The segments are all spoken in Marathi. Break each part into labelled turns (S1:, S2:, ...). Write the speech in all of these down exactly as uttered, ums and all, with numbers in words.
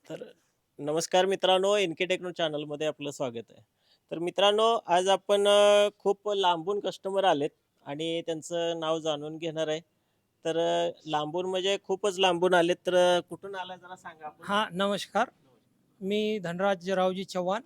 S1: तर नमस्कार मित्रांनो, एनके टेक्नो चॅनलमध्ये आपलं स्वागत आहे. तर मित्रांनो, आज आपण अ, खूप लांबून कस्टमर आलेत आणि त्यांचं नाव जाणून घेणार आहे. तर अ, लांबून म्हणजे खूपच लांबून आलेत, तर अ, कुठून आलाय जरा सांगा आपण?
S2: हां, नमस्कार. मी धनराज रावजी चव्हाण.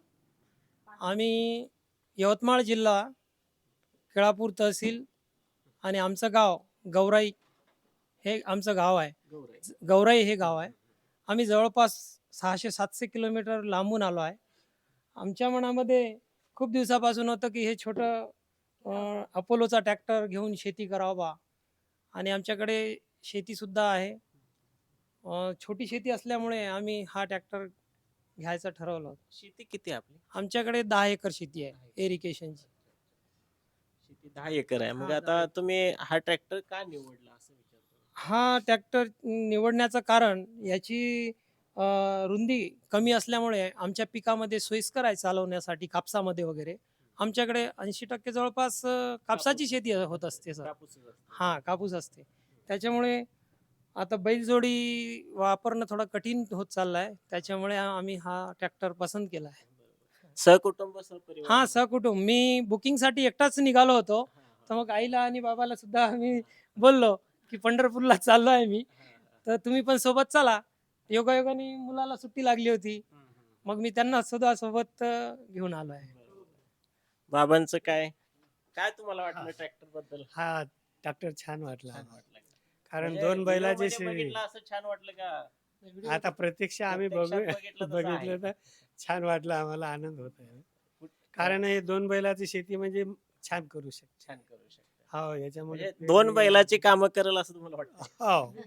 S2: आम्ही यवतमाळ जिल्हा, केळापूर तहसील आणि आमचं गाव गौराई हे आमचं गाव आहे.
S1: गौराई.
S2: ज- गौराई हे गाव आहे. आम्ही जवळपास सहाशे सातशे किलोमीटर लांबून आलो आहे. आमच्या मनामध्ये खूप दिवसापासून होतं की हे छोटं अ, अपोलोचा ट्रॅक्टर घेऊन शेती करावं बा आणि आमच्याकडे शेतीसुद्धा आहे. अ, छोटी शेती असल्यामुळे आम्ही हा ट्रॅक्टर घ्यायचं ठरवलं.
S1: शेती किती आहे आपली?
S2: आमच्याकडे दहा एकर शेती आहे इरिगेशनची.
S1: शेती दहा एकर आहे. मग
S2: हां, दहा
S1: आता
S2: एकर.
S1: तुम्ही हा ट्रॅक्टर का निवडला असं विचारतो?
S2: हा ट्रॅक्टर निवडण्याचं कारण याची अ, रुंदी कमी असल्यामुळे आमच्या पिकामध्ये सोयीस्कर आहे चालवण्यासाठी कापसामध्ये वगैरे. आमच्याकडे ऐंशी टक्के जवळपास अ, कापसाची शेती होत असते सर.
S1: कापूसच असतो.
S2: हां, कापूस असते. त्याच्यामुळे आता बैलजोडी वापरणं थोडं कठीण होत चाललं आहे. त्याच्यामुळे आम्ही हा ट्रॅक्टर पसंत केला आहे.
S1: सहकुटुंब सहपरिवार
S2: हां,
S1: आहे.
S2: सहकुटुंब. मी बुकिंगसाठी एकटाच निघालो होतो.
S1: हा, हा.
S2: तर मग आईला आणि बाबाला सुद्धा आम्ही बोललो, की पंढरपूरला चाललो आहे मी.
S1: हा, हा.
S2: तर तुम्ही पण सोबत चला. योगायोगाने मुलाला सुट्टी लागली होती.
S1: हम्म, हम्म.
S2: मग मी त्यांना सुद्धा सोबत अ, घेऊन आलो आहे.
S1: बरोबर. बाबांचं काय? काय तुम्हाला
S3: हा
S1: वाटलं ट्रॅक्टर बद्दल?
S3: हा ट्रॅक्टर छान वाटला
S1: छान
S3: आम्हाला.
S1: वाटलं का?
S3: कारण
S1: म्हणजे
S3: दोन
S1: व्हिडिओ
S3: बैलाची
S1: मध्ये
S3: शे
S1: बघितलं असं छान वाटलं का?
S3: आता प्रत्यक्ष आम्ही बघू
S1: प्रत्यक्षात बघितलं तसं आहे.
S3: बघितलं तर छान वाटलं आम्हाला, आनंद होत आहे.
S1: कुठ-
S3: कारण हे दोन बैलाची शेती म्हणजे छान करू शकते.
S1: छान करू शकता.
S3: हो, याच्यामध्ये
S1: म्हणजे दोन
S3: पेरणी-
S1: बैलाची कामं करेल असं तुम्हाला वाटतं?
S3: हो.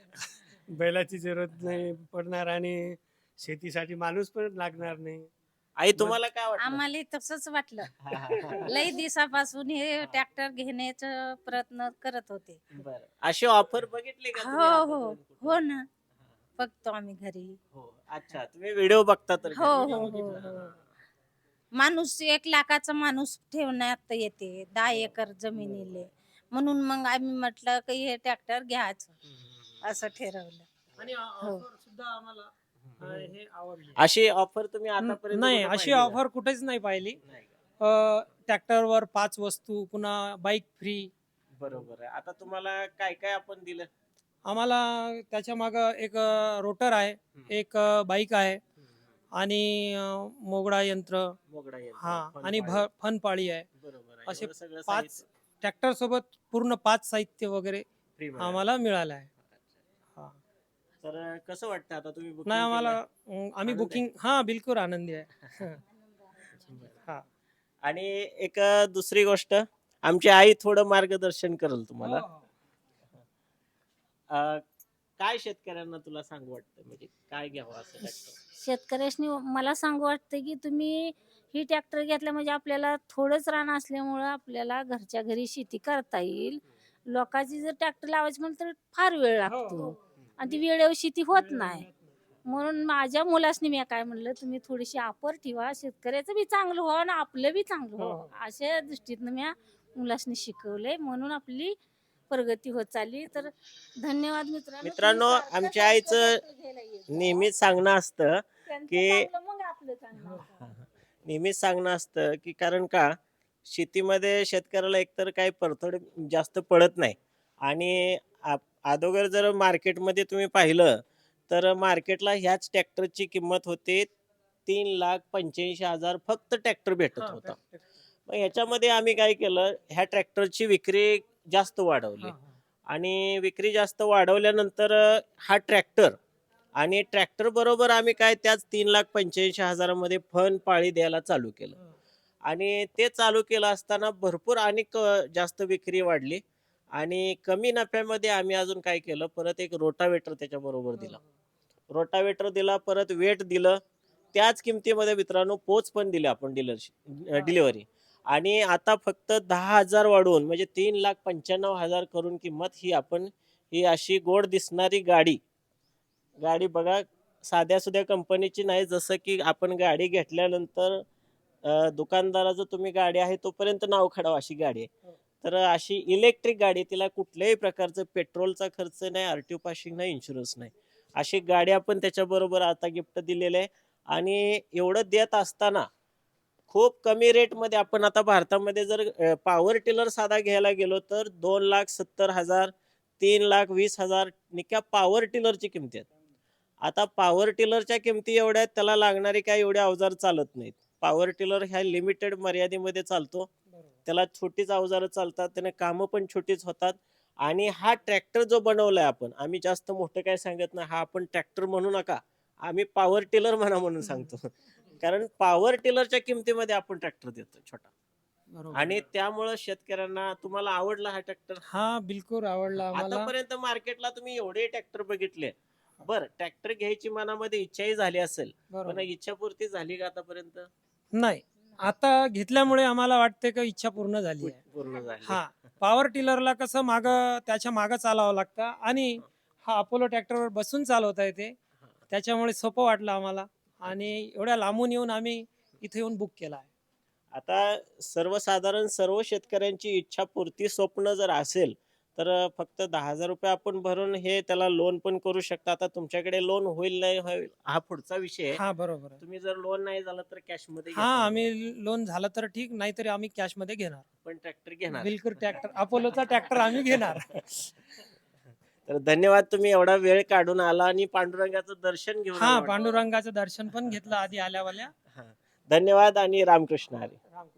S3: बैलाची जरूरत नाही पडणार आणि शेतीसाठी माणूस पण लागणार नाही.
S1: आई
S3: मग
S1: तुम्हाला काय वाटलं?
S4: आम्हाला तसंच वाटलं.
S1: हा, हा, हा.
S4: लई दिवसापासून हे ट्रॅक्टर घेण्याचा प्रयत्न करत होते.
S1: बरं. अशी ऑफर बघितली का तुम्ही
S4: हो हो
S1: आतापर्यंत कुठं?
S4: हो ना, बघतो आम्ही घरी.
S1: हो. अच्छा, तुम्ही व्हिडिओ बघता तर
S4: हो
S1: घरी?
S4: हो हो हो माणूस एक लाखाचा माणूस ठेवण्यात येते दहा एकर जमिनीले, म्हणून मग आम्ही म्हटलं की हे ट्रॅक्टर घ्यायचं असं ठरवलं.
S2: आणि
S4: हो.
S2: ऑफर सुद्धा आम्हाला अ, हे आवडली.
S1: अशी ऑफर तुम्ही
S2: न-
S1: आतापर्यंत
S2: नाही,
S1: कुठं
S2: अशी
S1: पाहिली का?
S2: ऑफर कुठेच नाही पाहिली.
S1: नाही का?
S2: ट्रॅक्टरवर पाच वस्तू, पुन्हा बाईक फ्री.
S1: बरोबर आहे. आता तुम्हाला काय काय आपण दिलं?
S2: आम्हाला त्याच्या मागं एक रोटर आहे,
S1: हम्म.
S2: एक बाईक आहे आणि अ, मोगडा यंत्र.
S1: मोगडा यंत्र,
S2: हा
S1: फन
S2: आणि
S1: पाळी.
S2: फनपाळी आहे.
S1: बरोबर आहे.
S2: असे
S1: एवढं सगळं
S2: पाच
S1: साहित्य
S2: ट्रॅक्टर सोबत पूर्ण पाच साहित्य वगैरे
S1: फ्री मध्ये
S2: आम्हाला मिळालं आहे.
S1: अच्छा.
S2: हा.
S1: तर अं, कसं वाटतं आता तुम्ही
S2: नाही
S1: बुकिंग
S2: आम्हाला
S1: केलं?
S2: अं, आम्ही
S1: आनंद आहे?
S2: बुकिंग हा बिलकुल आनंदी आहे. हा.
S1: आणि एक अं, दुसरी गोष्ट, आमची आई थोडं मार्गदर्शन करेल तुम्हाला.
S2: हो, हो.
S1: अं, काय शेतकऱ्यांना तुला सांगू वाटतं, म्हणजे काय घ्यावं असं ट्रॅक्टर?
S4: शेतकऱ्यासनी मला सांगू वाटतं की तुम्ही ही ट्रॅक्टर घेतल्या म्हणजे आपल्याला थोडंच रान असल्यामुळं आपल्याला घरच्या घरी शेती करता येईल. लोकांची जर ट्रॅक्टर लावायची म्हणलं तर फार वेळ
S2: हो,
S4: लागतो
S2: हो.
S4: आणि ती वेळेवर शेती होत
S2: वेळेवर
S4: नाही.
S2: मिळत नाही.
S4: म्हणून माझ्या मुलासनी मी काय म्हणलं, तुम्ही थोडीशी ऑफर ठेवा, शेतकऱ्याचं बी चांगलं व्हावं आणि आपलं बी चांगलं
S2: हो,
S4: व्हावं, अशा दृष्टीनं मी मुलासनी शिकवलंय. म्हणून आपली प्रगती होत चालली. तर धन्यवाद मित्रांनो.
S1: मित्रांनो,
S4: तुम्ही सारखं
S1: आमच्या
S4: सारखं
S1: आईचं
S4: ट्रॅक्टर घ्यायला येत जा.
S1: नेहमीच सांगणं असतं
S4: त्यांचं
S1: की
S4: चांगलं मग आपलं चांगलं होतं.
S1: नेहमीच सांगणं असतं की कारण का शेतीमध्ये शेतकऱ्याला एकतर काही परतड जास्त पडत नाही आणि आप- अगोदर जर मार्केटमध्ये तुम्ही पाहिलं तर मार्केटला ह्याच ट्रॅक्टरची किंमत होते तीन लाख पंच्याऐंशी हजार फक्त ट्रॅक्टर भेटत
S2: हा,
S1: होता.
S2: ट्रॅक्टर.
S1: मग ह्याच्यामध्ये आम्ही काय केलं, ह्या ट्रॅक्टरची विक्री जास्त वाढवली
S2: हा, हा.
S1: आणि विक्री जास्त वाढवल्यानंतर अ, हा ट्रॅक्टर आणि ट्रॅक्टर बरोबर आम्ही काय त्याच तीन लाख पंच्याऐंशी हजारामध्ये फन पाळी द्यायला चालू केलं
S2: हा.
S1: आणि ते चालू केलं असताना भरपूर आणि क- जास्त विक्री वाढली आणि कमी नफ्यामध्ये आम्ही अजून काय केलं, परत एक रोटावेटर त्याच्याबरोबर दिला. रोटावेटर दिला, परत वेट दिलं, त्याच किमतीमध्ये मित्रांनो पोच पण दिली आपण डीलरशिप डिलिव्हरी. आणि आता फक्त दहा हजार वाढवून म्हणजे तीन लाख पंच्याण्णव हजार करून किंमत ही आपण ही अशी गोड दिसणारी गाडी गाडी बघा, साध्या सुध्या कंपनीची नाही. जसं की आपण गाडी घेतल्यानंतर अ, दुकानदाराचं तुम्ही गाडी आहे तोपर्यंत नाव खडाव अशी गाडी आहे.
S2: हो.
S1: तर अशी इलेक्ट्रिक गाडी, तिला कुठल्याही प्रकारचं पेट्रोलचा खर्च नाही, आरटीओ पासिंग नाही, इन्शुरन्स नाही अशी गाडी आपण त्याच्याबरोबर आता गिफ्ट दिलेली आहे. आणि एवढं देत असताना खूप कमी रेटमध्ये आपण आता भारतामध्ये जर पॉवर टिलर साधा घ्यायला गेलो तर दोन लाख सत्तर हजार तीन लाख वीस हजार निक्या पॉवर टिलरची किमती आहेत. आता पॉवर टिलरच्या किमती एवढ्या आहेत, त्याला लागणारे काय एवढे अवजार चालत नाहीत. पॉवर टिलर ह्या लिमिटेड मर्यादेमध्ये चालतो. त्याला छोटीच अवजारं चालतात, त्याने कामं पण छोटीच होतात. आणि हा ट्रॅक्टर जो बनवलाय आपण, आम्ही जास्त मोठं काय सांगत नाही, हा आपण ट्रॅक्टर म्हणू नका, आम्ही पॉवर टिलर म्हणा म्हणून सांगतो. कारण पॉवर टिलरच्या किमतीमध्ये आपण ट्रॅक्टर देतो छोटा.
S2: बरोबर.
S1: आणि त्यामुळं शेतकऱ्यांना तुम्हाला आवडला हा ट्रॅक्टर?
S2: हा बिलकुल आवडला आम्हाला.
S1: आतापर्यंत मार्केटला तुम्ही एवढे ट्रॅक्टर बघितले, बर ट्रॅक्टर घ्यायची मनामध्ये इच्छाही झाली असेल, पण
S2: बरोबर.
S1: इच्छापूर्ती झाली का आतापर्यंत?
S2: नाही, आता घेतल्यामुळे आम्हाला वाटते का इच्छा पूर्ण झाली आहे.
S1: पूर्ण झाली.
S2: हा, पॉवर टिलरला कसं माग त्याच्या मागं चालावं लागतं आणि हा अपोलो ट्रॅक्टरवर बसून चालवता येते, त्याच्यामुळे सोपं वाटलं आम्हाला आणि एवढ्या लांबून येऊन आम्ही इथे येऊन बुक केला आहे.
S1: आता सर्वसाधारण सर्व शेतकऱ्यांची इच्छापूर्ती स्वप्न जर असेल तर फक्त दहा हजार रुपये आपण भरून हे त्याला लोन पण करू शकता. आता तुमच्याकडे लोन होईल नाही होईल हा पुढचा विषय आहे.
S2: हा बरोबर आहे.
S1: तुम्ही जर लोन नाही झालं तर कॅश मध्ये
S2: हा,
S1: घेता.
S2: आम्ही लोन झालं तर ठीक, नाहीतरी आम्ही कॅश मध्ये घेणार.
S1: पण ट्रॅक्टर घेणार.
S2: बिलकुल ट्रॅक्टर, अपोलोचा ट्रॅक्टर आम्ही घेणार.
S1: तर धन्यवाद, तुम्ही एवढा वेळ काढून आला आणि पांडुरंगाचं दर्शन घेऊन
S2: हा,
S1: आला.
S2: पांडुरंगाचं दर्शन पण घेतलं आधी आल्यावाल्या.
S1: हा. धन्यवाद आणि रामकृष्ण हरी.
S2: राम